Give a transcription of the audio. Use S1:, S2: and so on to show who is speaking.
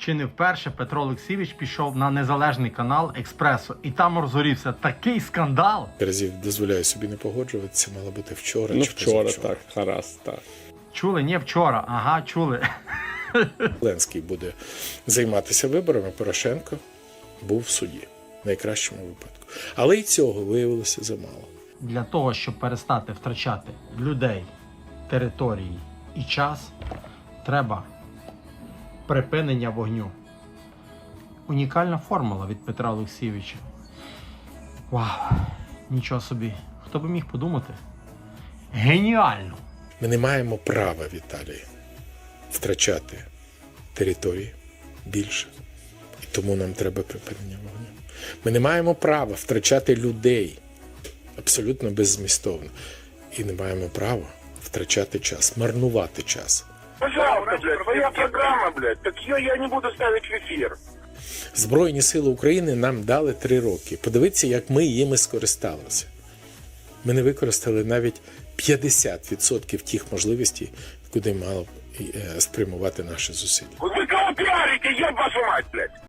S1: Чи не вперше Петро Олексійович пішов на незалежний канал Експресо, і там розгорівся такий скандал.
S2: Разів дозволяю собі не погоджуватися, мало бути вчора
S3: Ну
S2: чи
S3: вчора,
S2: позавчора.
S3: так, гаразд, так.
S1: Чули? Ні, вчора. Ага, чули.
S2: Зеленський буде займатися виборами, Порошенко був в суді, в найкращому випадку. Але і цього виявилося замало.
S1: Для того, щоб перестати втрачати людей, території і час, треба припинення вогню. Унікальна формула від Петра Олексійовича. Вау! Нічого собі. Хто би міг подумати? Геніально!
S2: Ми не маємо права, Віталій, втрачати території більше. І тому нам треба припинення вогню. Ми не маємо права втрачати людей абсолютно беззмістовно. І не маємо права втрачати час, марнувати час.
S4: Пожалуйста, блядь, твоя программа, блядь, так ее я не буду ставить в эфир.
S2: Збройні сили України нам дали 3 роки. Подивіться, як ми їми скористалися. Ми не використали навіть 50% тих можливостей, куди мало спрямувати наші зусилля.
S4: Вы кого пиарите, еб вашу мать, блядь?